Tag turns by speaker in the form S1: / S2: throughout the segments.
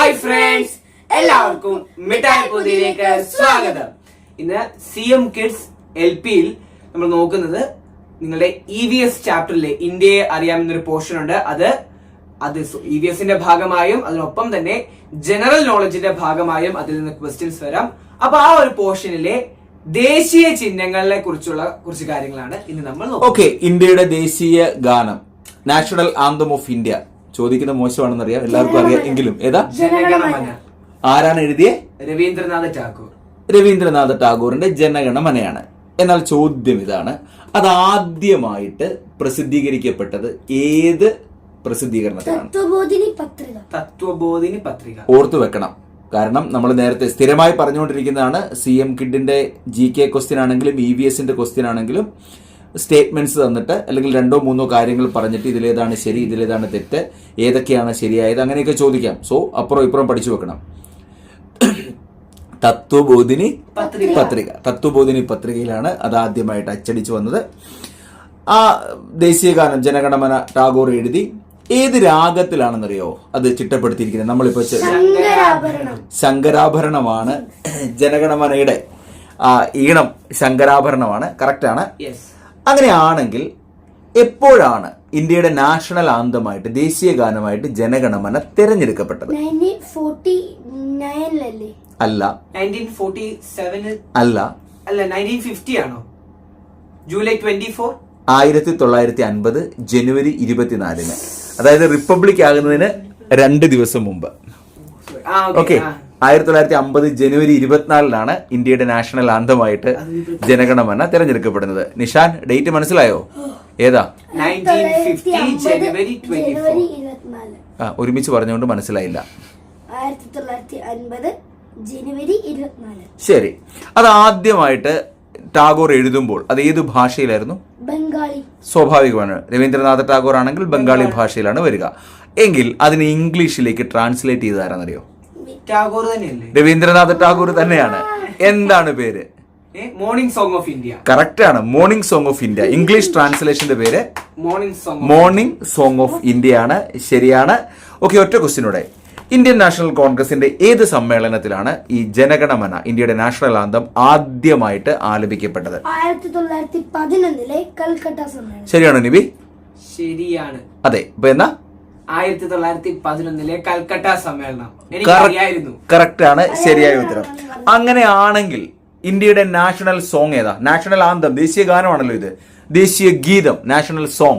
S1: Hi friends, എല്ലാവർക്കും മിഠായി പൊതിയിലേക്ക് സ്വാഗതം. ഇന്ന് CM Kids LPയിൽ നമ്മൾ നോക്കുന്നത് നിങ്ങളുടെ EVS ചാപ്റ്ററിലെ ഇന്ത്യയെ അറിയാമെന്നൊരു പോർഷൻ ഉണ്ട്. അത് EVSന്റെ ഭാഗമായും അതിനൊപ്പം തന്നെ ജനറൽ നോളജിന്റെ ഭാഗമായും അതിൽ നിന്ന് ക്വസ്റ്റ്യൻസ് വരാം. അപ്പൊ ആ ഒരു പോർഷനിലെ ദേശീയ ചിഹ്നങ്ങളെ കുറിച്ചുള്ള കുറച്ച് കാര്യങ്ങളാണ് ഇന്ന് നമ്മൾ നോക്കുന്നത്.
S2: ഇന്ത്യയുടെ ദേശീയ ഗാനം, നാഷണൽ ആന്തം ഓഫ് ഇന്ത്യ. ചോദിക്കുന്ന മോശമാണെന്നറിയാം, എല്ലാവർക്കും അറിയാം, എങ്കിലും ഏതാ?
S1: ജനഗണമന.
S2: ആരാണ് എഴുതിയ?
S1: രവീന്ദ്രനാഥ
S2: ടാഗോറിന്റെ ജനഗണമനയാണ്. എന്നാൽ ചോദ്യം ഇതാണ്, അത് ആദ്യമായിട്ട് പ്രസിദ്ധീകരിക്കപ്പെട്ടത് ഏത് പ്രസിദ്ധീകരണത്തിലാണ്?
S1: തത്വബോധിനി പത്രിക.
S2: ഓർത്തു വെക്കണം, കാരണം നമ്മൾ നേരത്തെ സ്ഥിരമായി പറഞ്ഞുകൊണ്ടിരിക്കുന്നതാണ്. CM Kidന്റെ GK ക്വസ്റ്റ്യൻ ആണെങ്കിലും EVSന്റെ ക്വസ്റ്റ്യൻ ആണെങ്കിലും സ്റ്റേറ്റ്മെന്റ്സ് തന്നിട്ട് അല്ലെങ്കിൽ രണ്ടോ മൂന്നോ കാര്യങ്ങൾ പറഞ്ഞിട്ട് ഇതിലേതാണ് ശരി, ഇതിലേതാണ് തെറ്റ്, ഏതൊക്കെയാണ് ശരിയായത്, അങ്ങനെയൊക്കെ ചോദിക്കാം. സോ അപ്പുറം ഇപ്പുറം പഠിച്ചു വെക്കണം. തത്വബോധിനി പത്രിക, തത്വബോധിനി പത്രികയിലാണ് അത് ആദ്യമായിട്ട് അച്ചടിച്ചു വന്നത്. ആ ദേശീയഗാനം ജനഗണമന ടാഗോർ എഴുതി. ഏത് രാഗത്തിലാണെന്നറിയോ അത് ചിട്ടപ്പെടുത്തിയിരിക്കുന്നത്? നമ്മളിപ്പോ ശങ്കരാഭരണമാണ് ജനഗണമനയുടെ ഈണം, ശങ്കരാഭരണമാണ്. കറക്റ്റാണ്. അങ്ങനെയാണെങ്കിൽ എപ്പോഴാണ് ഇന്ത്യയുടെ നാഷണൽ ആന്തമായിട്ട്, ദേശീയ ഗാനമായിട്ട് ജനഗണമന തിരഞ്ഞെടുക്കപ്പെട്ടത്? അല്ല.
S1: 1947
S2: അല്ല.
S1: 1950 ആണോ? ജൂലൈ 24.
S2: 1950 ജനുവരി 24. അതായത് റിപ്പബ്ലിക് ആകുന്നതിന് 2 ദിവസം മുമ്പ്. ഓക്കെ, 1950 ജനുവരി 24 ഇന്ത്യയുടെ നാഷണൽ ആന്തമായിട്ട് ജനഗണമന തിരഞ്ഞെടുക്കപ്പെടുന്നത്. നിഷാൻ, ഡേറ്റ് മനസ്സിലായോ? ഏതാ?
S1: 1950 ജനുവരി 24.
S2: ഒരുമിച്ച് പറഞ്ഞുകൊണ്ട് മനസ്സിലായില്ല.
S3: 1950 ജനുവരി 24.
S2: ശരി, അത് ആദ്യമായിട്ട് ടാഗോർ എഴുതുമ്പോൾ അത് ഏത് ഭാഷയിലായിരുന്നു?
S3: ബംഗാളി.
S2: സ്വാഭാവികമാണ്, രവീന്ദ്രനാഥ ടാഗോർ ആണെങ്കിൽ ബംഗാളി ഭാഷയിലാണ് വരിക. എങ്കിൽ അതിന് ഇംഗ്ലീഷിലേക്ക് ട്രാൻസ്ലേറ്റ് ചെയ്താരെന്നറിയോ?
S1: ടാഗോർ തന്നെയല്ലേ?
S2: രവീന്ദ്രനാഥ ടാഗോർ തന്നെയാണ്. എന്താണ് പേര്?
S1: Morning song of India.
S2: Correct ആണ്, morning song of India. English ട്രാൻസ്ലേഷന്റെ പേര് മോർണിംഗ് സോങ് ഓഫ് ഇന്ത്യ ആണ്. ശരിയാണ്. ഓക്കെ, ഒറ്റ ക്വസ്റ്റ്യനോടെ, ഇന്ത്യൻ നാഷണൽ കോൺഗ്രസിന്റെ ഏത് സമ്മേളനത്തിലാണ് ഈ ജനഗണമന, ഇന്ത്യയുടെ നാഷണൽ ആന്തം, ആദ്യമായിട്ട് ആലപിക്കപ്പെട്ടത്?
S3: 1911 കൽക്കട്ട സമ്മേളനം.
S2: ശരിയാണോ നിബി?
S1: ശരിയാണ്.
S2: അതെ. ഇപ്പൊ എന്നാ?
S1: 1911 കൽക്കട്ട സമ്മേളനം.
S2: കറക്റ്റ് ആണ്, ശരിയായ ഉത്തരം. അങ്ങനെയാണെങ്കിൽ ഇന്ത്യയുടെ നാഷണൽ സോങ് ഏതാ? നാഷണൽ ആന്തം, ദേശീയ ഗാനമാണല്ലോ ഇത്. ദേശീയ ഗീതം, നാഷണൽ സോങ്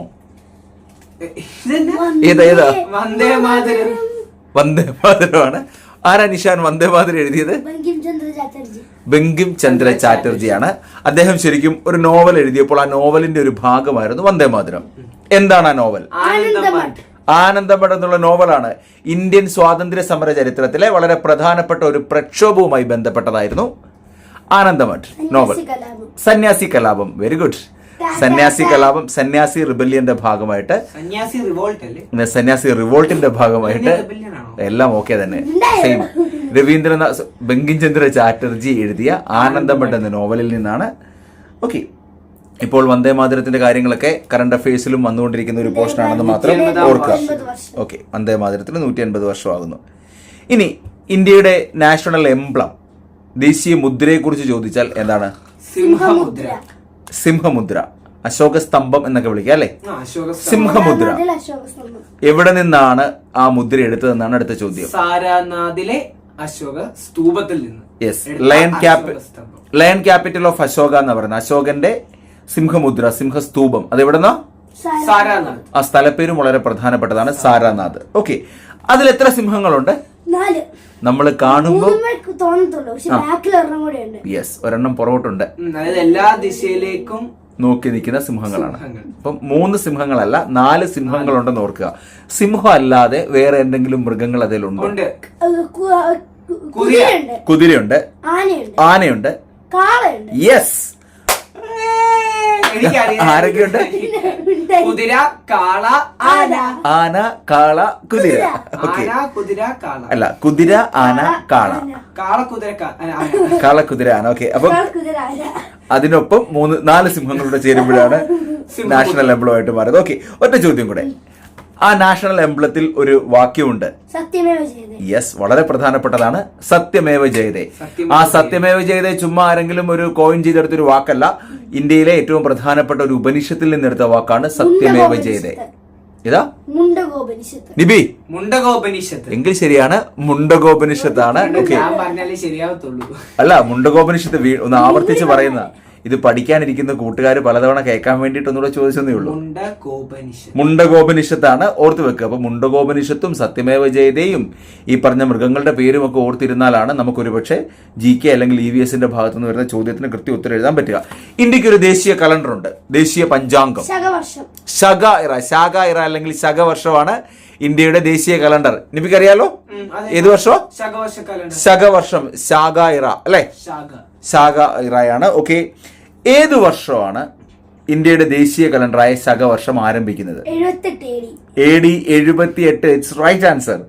S2: ഏതാ?
S1: വന്ദേ മാതരം.
S2: വന്ദേ മാതരമാണ്. ആരാ നിഷാൻ വന്ദേ മാതരം എഴുതിയത്? ബങ്കിം ചന്ദ്ര ചാറ്റർജിയാണ്. അദ്ദേഹം ശരിക്കും ഒരു നോവൽ എഴുതിയപ്പോൾ ആ നോവലിന്റെ ഒരു ഭാഗമായിരുന്നു വന്ദേ മാതരം. എന്താണ് ആ നോവൽ? ആനന്ദമഠം എന്നുള്ള നോവലാണ്. ഇന്ത്യൻ സ്വാതന്ത്ര്യ സമര ചരിത്രത്തിലെ വളരെ പ്രധാനപ്പെട്ട ഒരു പ്രക്ഷോഭവുമായി ബന്ധപ്പെട്ടതായിരുന്നു ആനന്ദമഠ് നോവൽ. സന്യാസി കലാപം. Very good. സന്യാസി കലാപം, സന്യാസി റിബല്യന്റെ ഭാഗമായിട്ട്, സന്യാസി റിവോൾട്ടിന്റെ ഭാഗമായിട്ട്, എല്ലാം ഓക്കെ തന്നെ, സെയിം. രവീന്ദ്രനാഥ് ബങ്കിം ചന്ദ്ര ചാറ്റർജി എഴുതിയ ആനന്ദമഠ് എന്ന നോവലിൽ നിന്നാണ്. ഓക്കെ, ഇപ്പോൾ വന്ദേ മാതരത്തിന്റെ കാര്യങ്ങളൊക്കെ കറണ്ട് അഫയേഴ്സിലും വന്നുകൊണ്ടിരിക്കുന്ന ഒരു പോർഷൻ ആണെന്ന് മാത്രം ഓർക്കുക. ഓക്കെ, വന്ദേ മാതരത്തിന് 150 വർഷമാകുന്നു. ഇനി ഇന്ത്യയുടെ നാഷണൽ എംബ്ലം, ദേശീയ മുദ്രയെ കുറിച്ച് ചോദിച്ചാൽ എന്താണ്? സിംഹമുദ്ര. അശോക സ്തംഭം എന്നൊക്കെ വിളിക്കുക അല്ലെ? സിംഹമുദ്ര. എവിടെ നിന്നാണ് ആ മുദ്ര എടുത്തതെന്നാണ് അടുത്ത ചോദ്യം.
S1: സാരാനാഥിലെ അശോക സ്തൂപത്തിൽ നിന്ന്.
S2: Yes, lion capital of Ashoka എന്ന് പറയുന്നത് അശോകന്റെ സിംഹമുദ്ര, സിംഹസ്തൂപം. അത് എവിടെന്നാ?
S1: സാരാനാഥ്.
S2: ആ സ്ഥലപ്പേരും വളരെ പ്രധാനപ്പെട്ടതാണ്, സാരാനാഥ്. ഓക്കെ, അതിൽ എത്ര സിംഹങ്ങളുണ്ട്?
S3: 4.
S2: നമ്മൾ കാണുമ്പോൾ
S3: യെസ്,
S2: ഒരെണ്ണം പുറകോട്ടുണ്ട്.
S1: അതായത് എല്ലാ ദിശയിലേക്കും
S2: നോക്കി നിൽക്കുന്ന സിംഹങ്ങളാണ്. അപ്പം 3 സിംഹങ്ങളല്ല, 4 സിംഹങ്ങളുണ്ടെന്ന് ഓർക്കുക. സിംഹം അല്ലാതെ വേറെ എന്തെങ്കിലും മൃഗങ്ങൾ അതിലുണ്ടോ? കുതിരയുണ്ട്, ആനയുണ്ട്, യെസ്. ആരൊക്കെയുണ്ട്?
S1: കുതിര, കാള,
S2: ആന, കാള, കുതിര. അല്ല, കുതിര, ആന, കാള, കാള, കുതിര, ആന. ഓക്കെ, അപ്പം അതിനൊപ്പം 4 സിംഹങ്ങളുടെ ചേരുമ്പോഴാണ് നാഷണൽ എംബ്ലം ആയിട്ട് മാറിയത്. ഓക്കെ, ഒറ്റ ചോദ്യം കൂടെ. ആ നാഷണൽ എംബ്ലത്തിൽ ഒരു വാക്യമുണ്ട്.
S3: സത്യമേവ ജയതേ.
S2: യെസ്, വളരെ പ്രധാനപ്പെട്ടതാണ്. സത്യമേവ ജയതേ. ആ സത്യമേവ ജയതേ ചുമ്മാ ആരെങ്കിലും ഒരു കോയിൻ ചെയ്തെടുത്തൊരു വാക്കല്ല. ഇന്ത്യയിലെ ഏറ്റവും പ്രധാനപ്പെട്ട ഒരു ഉപനിഷത്തിൽ നിന്നെടുത്ത വാക്കാണ് സത്യമേവ ജയതേ. ഇതാ
S3: മുണ്ടകോപനിഷത്ത്.
S2: നിബി
S1: മുണ്ടകോപനിഷത്ത്
S2: എങ്കിൽ ശരിയാണ്, മുണ്ടകോപനിഷത്താണ്. ഓക്കെ,
S1: ഞാൻ പറഞ്ഞാലേ ശരിയാവത്തുള്ളൂ.
S2: അല്ല, മുണ്ടകോപനിഷത്ത് ഒന്ന് ആവർത്തിച്ച് പറയുന്ന, ഇത് പഠിക്കാനിരിക്കുന്ന കൂട്ടുകാർ പലതവണ കേൾക്കാൻ വേണ്ടിയിട്ട് ഒന്നുകൂടെ ചോദിച്ചതേ ഉള്ളൂ. മുണ്ടകോപനിഷത്താണ്, ഓർത്ത് വെക്കുക. അപ്പൊ മുണ്ടകോപനിഷത്തും സത്യമേവ ജയതയും ഈ പറഞ്ഞ മൃഗങ്ങളുടെ പേരും ഒക്കെ ഓർത്തിരുന്നാലാണ് നമുക്കൊരു പക്ഷേ GK അല്ലെങ്കിൽ EVSന്റെ ഭാഗത്തു നിന്ന് വരുന്ന ചോദ്യത്തിന് കൃത്യ ഉത്തരം എഴുതാൻ പറ്റുക. ഇന്ത്യക്ക് ഒരു ദേശീയ കലണ്ടർ ഉണ്ട്, ദേശീയ പഞ്ചാംഗം. ശക ഇറ അല്ലെങ്കിൽ ശകവർഷമാണ് ഇന്ത്യയുടെ ദേശീയ കലണ്ടർ. നിനക്ക് അറിയാലോ ഏത് വർഷമോ? ശകവർഷം, ശാഖ ഇറ അല്ലെ, ശാഖ ഇറയാണ്. ഓക്കെ, ഏത് വർഷമാണ് ഇന്ത്യയുടെ ദേശീയ കലണ്ടറായ ശകവർഷം ആരംഭിക്കുന്നത്? AD 78. It's right answer.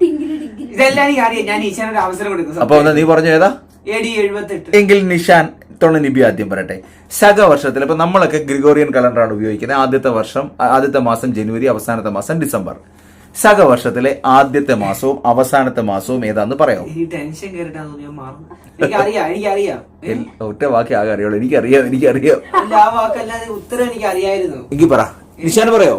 S2: അപ്പൊ നീ പറഞ്ഞു ഏതാ? എങ്കിൽ നിഷാൻ നിബി ആദ്യം പറയട്ടെ. ശകവർഷത്തിൽ ഇപ്പൊ നമ്മളൊക്കെ ഗ്രിഗോറിയൻ കലണ്ടറാണ് ഉപയോഗിക്കുന്നത്. ആദ്യത്തെ മാസം ജനുവരി, അവസാനത്തെ മാസം ഡിസംബർ. ശകവർഷത്തിലെ ആദ്യത്തെ മാസവും അവസാനത്തെ മാസവും ഏതാന്ന് പറയാമോ? ഒറ്റ വാക്ക് ആകെ അറിയുള്ളൂ. എനിക്കറിയാം. എനിക്ക് പറ, നിഷാന് പറയോ?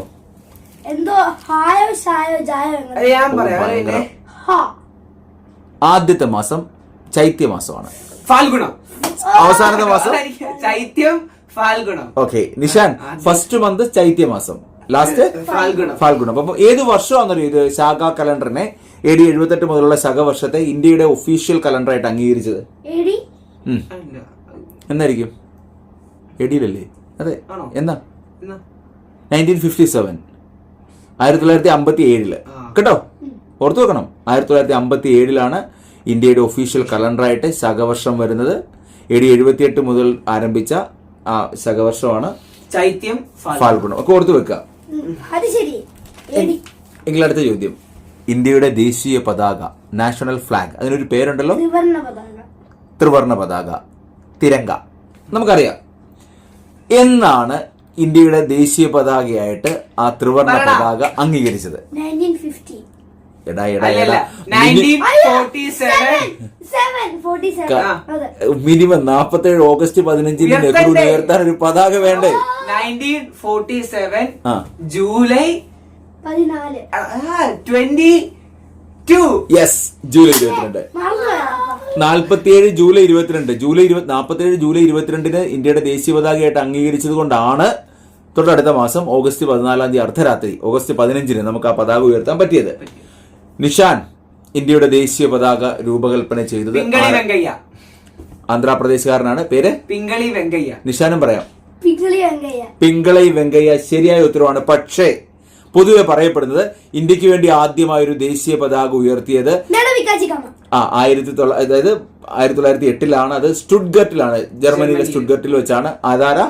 S2: ആദ്യത്തെ മാസം ചൈത്യമാസമാണ്.
S1: ഫാൽഗുണം.
S2: അവസാനത്തെ മാസം
S1: ചൈത്യം, ഫാൽഗുണം.
S2: ഓക്കെ, നിഷാൻ ഫസ്റ്റ് മന്ത് ചൈത്യമാസം, ലാസ്റ്റ് ഫാൽഗുണം. അപ്പൊ ഏത് വർഷമാണെന്നറിയോ ഇത് ശാഖ കലണ്ടറിനെ AD 78 മുതലുള്ള ശകവർഷത്തെ ഇന്ത്യയുടെ ഒഫീഷ്യൽ കലണ്ടറായിട്ട് അംഗീകരിച്ചത്? എന്നായിരിക്കും? AD-ലല്ലേ? അതെ. എന്നാ? 1957, 1957 കേട്ടോ, ഓർത്തു വെക്കണം. 1957 ഇന്ത്യയുടെ ഒഫീഷ്യൽ കലണ്ടറായിട്ട് ശകവർഷം വരുന്നത്. AD 78 മുതൽ ആരംഭിച്ച ആ ശകവർഷമാണ്
S1: ചൈത്യം,
S2: ഫാൽഗുണം. ഒക്കെ ഓർത്തു വെക്കുക. എങ്കിൽ അടുത്ത ചോദ്യം, ഇന്ത്യയുടെ ദേശീയ പതാക, നാഷണൽ ഫ്ലാഗ്, അതിനൊരു പേരുണ്ടല്ലോ, ത്രിവർണ്ണ പതാക, തിരങ്ക. നമുക്കറിയാം. എന്നാണ് ഇന്ത്യയുടെ ദേശീയ പതാകയായിട്ട് ആ ത്രിവർണ്ണ പതാക അംഗീകരിച്ചത്? മിനിമം 47 ഓഗസ്റ്റ് 15 നെഹ്റു ഉയർത്താൻ ഒരു പതാക വേണ്ടേ?
S1: 1947 July 22.
S2: Yes, July 22. 47 July 22. 47 July 22 ഇന്ത്യയുടെ ദേശീയ പതാകയായിട്ട് അംഗീകരിച്ചത് കൊണ്ടാണ് തൊട്ടടുത്ത മാസം ഓഗസ്റ്റ് 14 അർദ്ധരാത്രി, ഓഗസ്റ്റ് 15 നമുക്ക് ആ പതാക ഉയർത്താൻ പറ്റിയത്. നിഷാൻ, ഇന്ത്യയുടെ ദേശീയ പതാക രൂപകൽപ്പന ചെയ്തത് ആന്ധ്രാപ്രദേശുകാരനാണ്. പേര്
S1: പിംഗളി വെങ്കയ്യ.
S2: നിഷാനും പറയാം, പിംഗളി വെങ്കയ്യ. ശരിയായ ഉത്തരവാണ്. പക്ഷേ പൊതുവെ പറയപ്പെടുന്നത് ഇന്ത്യക്ക് വേണ്ടി ആദ്യമായ ഒരു ദേശീയ പതാക ഉയർത്തിയത് 1908 അത് സ്റ്റുട്ട്ഗർട്ടിലാണ്, ജർമ്മനിയിലെ സ്റ്റുട്ട്ഗർട്ടിൽ വെച്ചാണ്. അതാരാ?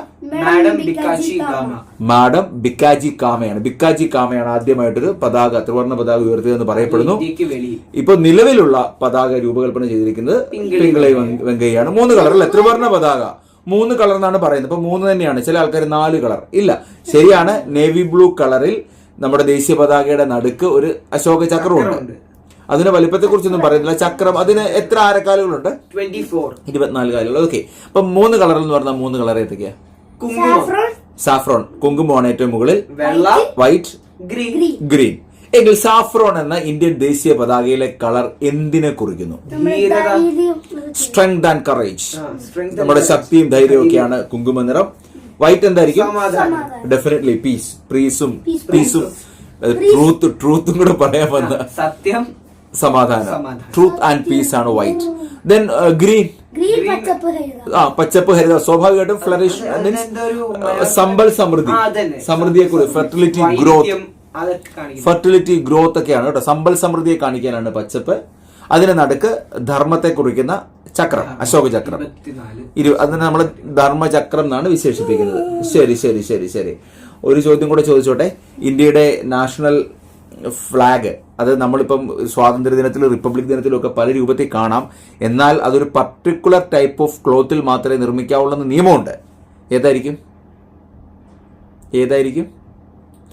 S2: മാഡം ബിക്കാജി കാമയാണ് ആദ്യമായിട്ടൊരു പതാക, ത്രിവർണ്ണ പതാക ഉയർത്തിയതെന്ന് പറയപ്പെടുന്നു. ഇപ്പൊ നിലവിലുള്ള പതാക രൂപകൽപ്പന ചെയ്തിരിക്കുന്നത് പിംഗളി വെങ്കയ്യാണ്. 3 കളർ അല്ലെ ത്രിവർണ്ണ പതാക? 3 കളർ എന്നാണ് പറയുന്നത്. ഇപ്പൊ 3 തന്നെയാണ്. ചില ആൾക്കാർ 4 കളർ. ഇല്ല, ശരിയാണ്. നേവി ബ്ലൂ കളറിൽ നമ്മുടെ ദേശീയ പതാകയുടെ നടുക്ക് ഒരു അശോക ചക്രമുണ്ട്. അതിന്റെ വലിപ്പത്തെ കുറിച്ചൊന്നും പറയുന്നില്ല. ചക്രം, അതിന് എത്ര ആരക്കാലുകളുണ്ട്? 24 കാലുകൾ. ഓക്കെ, അപ്പൊ 3 കളറിൽ എന്ന് പറഞ്ഞാൽ 3 കളർ ഏതൊക്കെയാ? സാഫ്രോൺ, കുങ്കുമമാണ് ഏറ്റവും മുകളിൽ. White, green. എങ്കിൽ സാഫ്രോൺ എന്ന ഇന്ത്യൻ ദേശീയ പതാകയിലെ കളർ എന്തിനെ കുറിക്കുന്നു? സ്ട്രെങ്ത് ആൻഡ് കറേജ്, നമ്മുടെ ശക്തിയും ധൈര്യവും ഒക്കെയാണ് കുങ്കുമ നിറം. വൈറ്റ് എന്തായിരിക്കും? ഡെഫിനറ്റ്ലി പീസ്, പീസും ട്രൂത്തും കൂടെ പറയാൻ വന്ന
S1: സത്യം, സമാധാനം.
S2: ട്രൂത്ത് ആൻഡ് പീസ് ആണ് വൈറ്റ്. ദെൻ ഗ്രീൻ, പച്ചപ്പ് ഹരിത. സ്വാഭാവികമായിട്ടും ഫ്ലറിഷ് മീൻസ് സമ്പൽ സമൃദ്ധി, സമൃദ്ധിയെ കുറിച്ച്, ഫെർട്ടിലിറ്റി ഗ്രോത്ത് ഒക്കെയാണ് കേട്ടോ. സമ്പൽ സമൃദ്ധിയെ കാണിക്കാനാണ് പച്ചപ്പ്. അതിന് നടുക്ക് ധർമ്മത്തെ കുറിക്കുന്ന ചക്രം, അശോക ചക്രം. അതിനെ നമ്മൾ ധർമ്മചക്രം എന്നാണ് വിശേഷിപ്പിക്കുന്നത്. ശരി. ഒരു ചോദ്യം കൂടെ ചോദിച്ചോട്ടെ. ഇന്ത്യയുടെ നാഷണൽ ഫ്ലാഗ്, അത് നമ്മളിപ്പം സ്വാതന്ത്ര്യ ദിനത്തിലും റിപ്പബ്ലിക് ദിനത്തിലും ഒക്കെ പല രൂപത്തിൽ കാണാം. എന്നാൽ അതൊരു പർട്ടിക്കുലർ ടൈപ്പ് ഓഫ് ക്ലോത്തിൽ മാത്രമേ നിർമ്മിക്കാവുള്ളൂ എന്ന് നിയമമുണ്ട്. ഏതായിരിക്കും?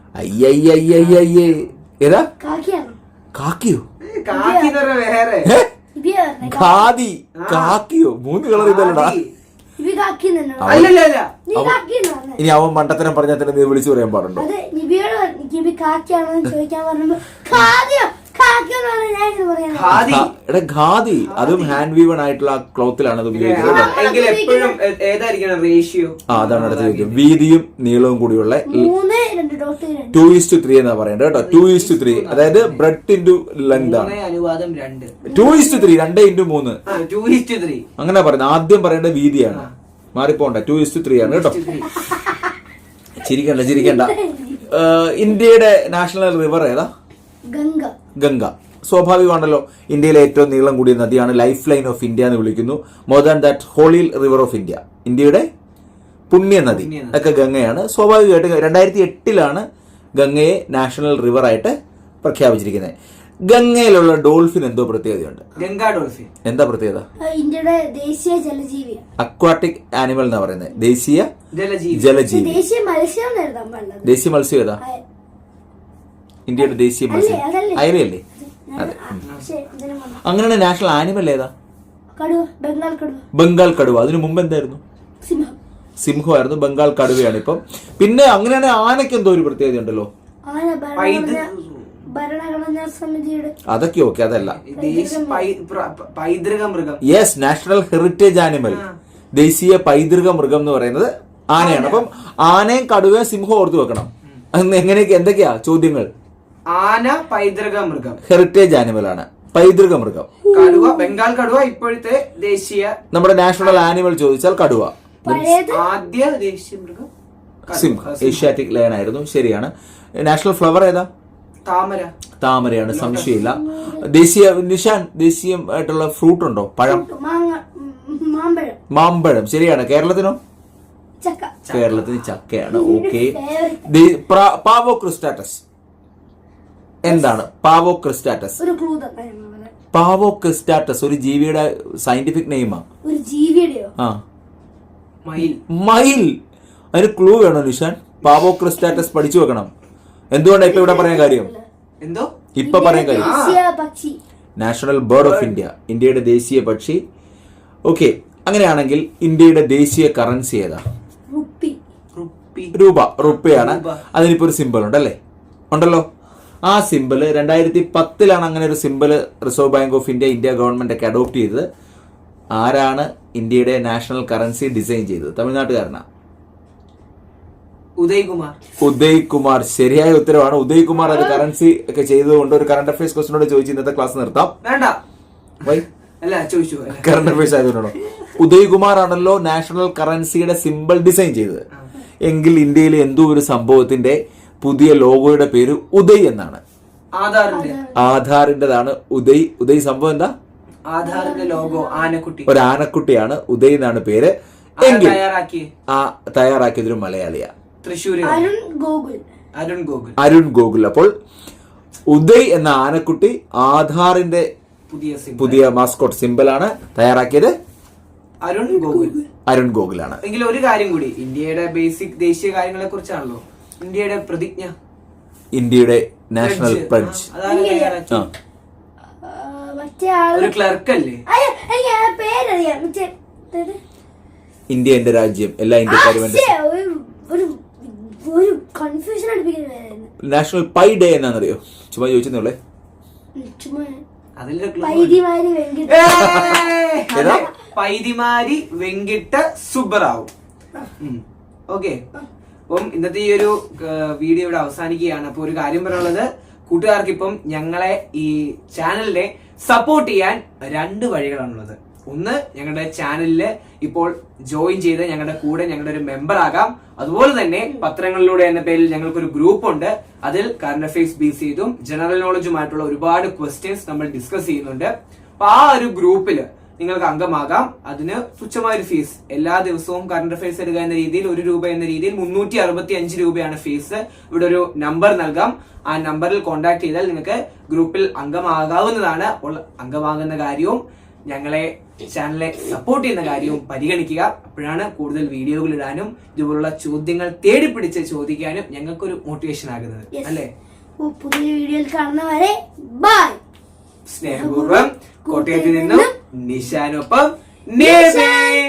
S2: അയ്യയ്യയ്യയ്യേ ഏതാ
S3: കാക്കിയാണോ?
S2: കാക്കിയോ?
S1: കാക്കി എന്ന് പറഞ്ഞ വേറെ
S3: ഇബിയാ പറഞ്ഞേ.
S2: ഖാദി. കാക്കിയോ? 3 കളർ ഇതല്ലടാ.
S3: ഇബി കാക്കി തന്നെയാണോ?
S1: അല്ലല്ല
S3: നീ കാക്കി എന്ന് പറഞ്ഞേ.
S2: ഇനി അവൻ മണ്ടത്തരം പറഞ്ഞാൽ തന്നെ നീ വിളിച്ചു പറയാൻ പാടുണ്ടോ?
S3: അത് നിബിയോട് പറഞ്ഞു, ഇബി കാക്കിയാണോ എന്ന് ചോദിക്കാൻ പറഞ്ഞപ്പോ ഖാദിയോ കാക്കിയോ എന്ന് പറഞ്ഞാൽ ഞാൻ ഇങ്ങനെ പറയാൻ
S1: ഖാദി
S2: എടാ ഖാദി, അതും ഹാൻഡ് വീവൺ ആയിട്ടുള്ള ക്ലോത്തിലാണ് അത് ഉപയോഗിക്കുന്നത്.
S1: എങ്കിൽ എപ്പോഴും ഏതായിരിക്കണം റേഷ്യോ?
S2: അതാണ് അടുത്ത ചോദ്യം. വീതിയും നീളവും കൂടിയുള്ള
S3: 3:2
S2: 2:3 എന്നാ പറയണ്ടത് കേട്ടോ. 2:3 അതായത് ബ്രെഡ് ഇൻറ്റു ലെങ്ത് ആണ്.
S1: അനുവാദം 2.
S2: 2:3 2:3
S1: 2:3
S2: അങ്ങനെ പറയുന്നത്. ആദ്യം പറയേണ്ട വീതിയാണ്, മാറിപ്പോണ്ട. 2:3 ആണ് കേട്ടോ. ചിരിക്കണ്ട. ഇന്ത്യയുടെ നാഷണൽ റിവർ ഏതാ?
S3: ഗംഗ.
S2: ഗംഗ. സ്വാഭാവികമാണല്ലോ, ഇന്ത്യയിലെ ഏറ്റവും നീളം കൂടിയ നദിയാണ്. ലൈഫ് ലൈൻ ഓഫ് ഇന്ത്യ എന്ന് വിളിക്കുന്നു. More than that holy river of India, ഇന്ത്യയുടെ പുണ്യ നദി ഒക്കെ ഗംഗയാണ്. സ്വാഭാവികമായിട്ടും 2008 ഗംഗയെ നാഷണൽ റിവർ ആയിട്ട് പ്രഖ്യാപിച്ചിരിക്കുന്നത്. ഗംഗയിലുള്ള ഡോൾഫിൻ എന്തോ പ്രത്യേകതയുണ്ട്.
S1: ഗംഗാ ഡോൾഫിൻ
S2: എന്താ പ്രത്യേകത?
S3: ഇന്ത്യയുടെ ദേശീയ ജലജീവിയാണ്.
S2: അക്വാട്ടിക് ആനിമൽ എന്നാ പറയുന്നത്. ദേശീയ
S1: ജലജീവി.
S3: ദേശീയ മത്സ്യം എന്ന് എഴുതാൻ പാടില്ല.
S2: ദേശീയ മത്സ്യം ഏതാ? ഇന്ത്യയുടെ ദേശീയ മത്സ്യം
S3: അതല്ലേ?
S2: അയലയല്ലേ? അതെ. അങ്ങനെയാണ് നാഷണൽ ആനിമൽ ഏതാ?
S3: കടുവ. ബംഗാൾ കടുവ.
S2: ബംഗാൾ കടുവ. അതിനു മുമ്പ് എന്തായിരുന്നു?
S3: സിംഹം.
S2: സിംഹമായിരുന്നു. ബംഗാൾ കടുവയാണ് ഇപ്പം. പിന്നെ അങ്ങനെയാണെങ്കിൽ ആനയ്ക്ക് എന്തോ ഒരു പ്രത്യേകത ഉണ്ടല്ലോ.
S3: ആന ഭരണഘടനാ സമിതിയുടെ.
S2: അതൊക്കെ ഓക്കെ, അതല്ല.
S1: പൈതൃക മൃഗം.
S2: Yes, national heritage animal. ദേശീയ പൈതൃക മൃഗം എന്ന് പറയുന്നത് ആനയാണ്. അപ്പം ആനയും കടുവയും സിംഹവും ഓർത്തു വെക്കണം. എങ്ങനെയൊക്കെ എന്തൊക്കെയാ ചോദ്യങ്ങൾ?
S1: ആന പൈതൃക മൃഗം,
S2: ഹെറിറ്റേജ് ആനിമൽ ആണ്. പൈതൃക മൃഗം.
S1: കടുവ, ബംഗാൾ കടുവ ഇപ്പോഴത്തെ ദേശീയ.
S2: നമ്മുടെ നാഷണൽ ആനിമൽ ചോദിച്ചാൽ കടുവ.
S1: ആദ്യ ദേശീയ മൃഗം
S2: സിംഹം. ഏഷ്യാറ്റിക് ലയൺ ആയിരുന്നു. ശരിയാണ്. നാഷണൽ ഫ്ലവർ ഏതാ?
S1: താമര.
S2: താമരയാണ്, സംശയമില്ല. ദേശീയ നിഷാൻ, ദേശീയമായിട്ടുള്ള ഫ്രൂട്ട് ഉണ്ടോ? പഴം.
S3: മാമ്പഴം.
S2: മാമ്പഴം. ശരിയാണ്. കേരളത്തിനോ?
S3: ചക്ക.
S2: കേരളത്തിന് ചക്കയാണ്. ഓക്കെ. പാവോ ക്രിസ്റ്റാറ്റസ് എന്താണ്? പാവോ ക്രിസ്റ്റാറ്റസ്.
S3: ഒരു ക്ലൂ തന്നെ.
S2: പാവോ ക്രിസ്റ്റാറ്റസ് ഒരു ജീവിയുടെ സയന്റിഫിക് നെയിമാ.
S3: ഒരു ജീവിയുടെയോ?
S2: ആ,
S1: മയിൽ.
S2: മയിൽ. അതിന് ക്ലൂ വേണോ നിഷാൻ? പാവോ ക്രിസ്റ്റാറ്റസ് പഠിച്ചു വെക്കണം. എന്തുകൊണ്ടാണ് ഇപ്പൊ ഇവിടെ പറയാൻ കാര്യം?
S1: എന്തോ
S2: ഇപ്പൊ പറയാൻ കാര്യം?
S3: ദേശീയ പക്ഷി.
S2: നാഷണൽ ബേർഡ് ഓഫ് ഇന്ത്യ, ഇന്ത്യയുടെ ദേശീയ പക്ഷി. ഓക്കെ. അങ്ങനെയാണെങ്കിൽ ഇന്ത്യയുടെ ദേശീയ കറൻസി ഏതാ?
S3: റുപ്പി.
S2: രൂപ. റുപ്പയാണ്. അതിനിപ്പോ ഒരു സിമ്പിൾ ഉണ്ടല്ലേ? ഉണ്ടല്ലോ. ആ സിമ്പിള് 2010 അങ്ങനെ ഒരു symbol reserve bank of India government ഒക്കെ അഡോപ്റ്റ് ചെയ്തത്. ആരാണ് ഇന്ത്യയുടെ നാഷണൽ കറൻസി ഡിസൈൻ ചെയ്തത്? തമിഴ്നാട്ടുകാരനാ. ഉദയ് കുമാർ. ശരിയായ ഉത്തരവാണ്. ഉദയ് കുമാർ അത് കറൻസി ഒക്കെ ചെയ്തതുകൊണ്ട് ഒരു കറണ്ട് അഫയേഴ്സ് ക്വസ്റ്റിനോട് ചോദിച്ച് ഇന്നത്തെ ക്ലാസ് നിർത്താം.
S1: വേണ്ട.
S2: വൈ?
S1: അല്ല, ചോദിച്ചു.
S2: കറണ്ട് അഫയേഴ്സ് ആയതുകൊണ്ടാണോ? ഉദയ് കുമാർ ആണല്ലോ നാഷണൽ കറൻസിയുടെ സിമ്പിൾ ഡിസൈൻ ചെയ്തത്. എങ്കിൽ ഇന്ത്യയിലെ എന്തോ ഒരു സംഭവത്തിന്റെ പുതിയ ലോഗോയുടെ പേര് ഉദയ് എന്നാണ്. ആധാറിന്റേതാണ് ഉദയ്. ഉദയ് സംഭവം എന്താ?
S1: ആധാറിന്റെ ലോഗോ ആനക്കുട്ടി.
S2: ഒരു ആനക്കുട്ടിയാണ്. ഉദയ് എന്നാണ് പേര്. എങ്കിൽ തയ്യാറാക്കിയതൊരു മലയാളിയാ.
S1: തൃശ്ശൂർ.
S2: അരുൺ ഗോകുൽ. അപ്പോൾ ഉദയ് എന്ന ആനക്കുട്ടി ആധാറിന്റെ പുതിയ മാസ്കോട്ട് സിമ്പിളാണ്. തയ്യാറാക്കിയത് അരുൺ ഗോകുലാണ്.
S1: എങ്കിലും ഒരു കാര്യം കൂടി, ഇന്ത്യയുടെ ബേസിക് ദേശീയ കാര്യങ്ങളെ കുറിച്ചാണല്ലോ. ഇന്ത്യയുടെ പ്രതിജ്ഞ,
S2: ഇന്ത്യയുടെ നാഷണൽ പ്ലഡ്ജ്
S1: ഒരു ക്ലർക്ക് അല്ലേ?
S2: ഇന്ത്യ എന്റെ രാജ്യം, എല്ലാ ഇന്ത്യക്കാരും നാഷണൽ പൈ ഡേ എന്നാന്നറിയോ? ചുമ്മാ ചോദിച്ചെന്നുള്ളേ.
S1: പൈതിമാരി വെങ്കിട്ട സുബ്ബറാവു. ഓക്കെ. അപ്പം ഇന്നത്തെ ഈ ഒരു വീഡിയോ ഇവിടെ അവസാനിക്കുകയാണ്. അപ്പൊ ഒരു കാര്യം പറയാനുള്ളത്, കൂട്ടുകാർക്ക് ഇപ്പം ഞങ്ങളെ ഈ ചാനലിനെ സപ്പോർട്ട് ചെയ്യാൻ 2 വഴികളാണുള്ളത്. ഒന്ന്, ഞങ്ങളുടെ ചാനലില് ഇപ്പോൾ ജോയിൻ ചെയ്ത് ഞങ്ങളുടെ കൂടെ ഞങ്ങളുടെ ഒരു മെമ്പർ ആകാം. അതുപോലെ തന്നെ പത്രങ്ങളിലൂടെ എന്ന പേരിൽ ഞങ്ങൾക്കൊരു ഗ്രൂപ്പ് ഉണ്ട്. അതിൽ കറണ്ട് അഫയേഴ്സ് ബേസ് ചെയ്തും ജനറൽ നോളജുമായിട്ടുള്ള ഒരുപാട് ക്വസ്റ്റ്യൻസ് നമ്മൾ ഡിസ്കസ് ചെയ്യുന്നുണ്ട്. അപ്പൊ ആ ഒരു ഗ്രൂപ്പില് നിങ്ങൾക്ക് അംഗമാകാം. അതിന് തുച്ഛമായൊരു ഫീസ്. എല്ലാ ദിവസവും കറണ്ട് അഫയേഴ്സ് എടുക്കുക എന്ന രീതിയിൽ 1 രൂപ എന്ന രീതിയിൽ 365 രൂപയാണ് ഫീസ്. ഇവിടെ ഒരു നമ്പർ നൽകാം. ആ നമ്പറിൽ കോൺടാക്ട് ചെയ്താൽ നിങ്ങൾക്ക് ഗ്രൂപ്പിൽ അംഗമാകാവുന്നതാണ്. അപ്പോൾ അംഗമാകുന്ന കാര്യവും ഞങ്ങളെ ചാനലിനെ സപ്പോർട്ട് ചെയ്യുന്ന കാര്യവും പരിഗണിക്കുക. അപ്പോഴാണ് കൂടുതൽ വീഡിയോകൾ ഇടാനും ഇതുപോലുള്ള ചോദ്യങ്ങൾ തേടിപ്പിടിച്ച് ചോദിക്കാനും ഞങ്ങൾക്കൊരു മോട്ടിവേഷൻ ആകുന്നത് അല്ലേ?
S3: പുതിയ വീഡിയോയിൽ കാണുന്നവരെ ബൈ.
S1: സ്നേഹപൂർവ്വം കോട്ടയത്ത് നിന്നും നിഷാനൊപ്പം